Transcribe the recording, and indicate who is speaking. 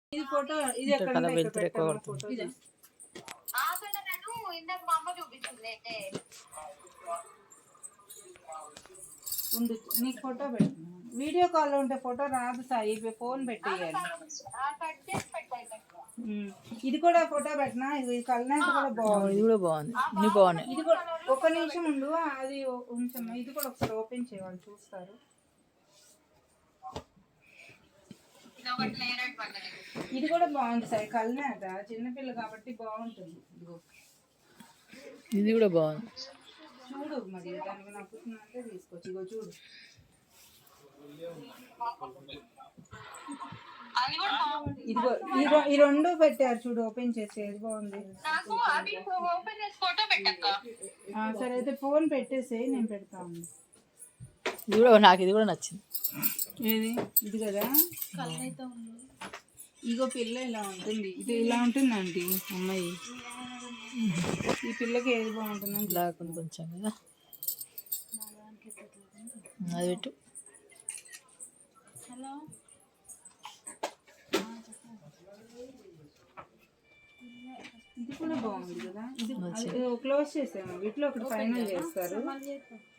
Speaker 1: ఇది ఫోటో ఇది ఎక్కడ
Speaker 2: వెళ్తురు ఎక్కువ పడుతుంది.
Speaker 1: నీకు ఫోటో పెట్టినా వీడియో కాల్ ఉంటే ఫోటో రాదు సాయి ఫోన్ పెట్టేయాలి. ఇది కూడా ఫోటో పెట్టినా ఇది కలనేత కూడా బాగుంది.
Speaker 2: ఇది కూడా బాగుంది. ఇన్ని బాగున్నాయి.
Speaker 1: ఇది కూడా ఒక నిమిషం ఉండు అది ఉంచమ్మా. ఇది కూడా ఒకసారి ఓపెన్ చేయాలి చూస్తారు. ఇది కూడా బాగుంది సాయి కలనేత చిన్నపిల్ల కాబట్టి బాగుంటుంది.
Speaker 2: ఇది కూడా బాగుంది
Speaker 1: చూడు మరి దానికి నప్పుతుందంటే తీసుకోవచ్చు. ఇగో చూడు ఇదిగో ఈ రెండు పెట్టారు చూడు ఓపెన్ చేసి ఏది బాగుంది. సరే అయితే ఫోన్ పెట్టేసి నేను పెడతాను.
Speaker 2: ఇది కూడా నాకు ఇది కూడా నచ్చింది.
Speaker 1: ఏది ఇది కదా ఇగో పిల్ల ఇలా ఉంటుంది. ఇది ఇలా ఉంటుంది ఆంటీ అమ్మాయి. ఈ పిల్లకి ఏది బాగుంటుందని
Speaker 2: బ్లాక్ కొంచెం కదా అది పెట్టు.
Speaker 1: హలో ఇది కూడా బాగుంది కదా. ఇది క్లోజ్ చేసాము వీటిలో ఒకటి ఫైనల్ చేస్తారు.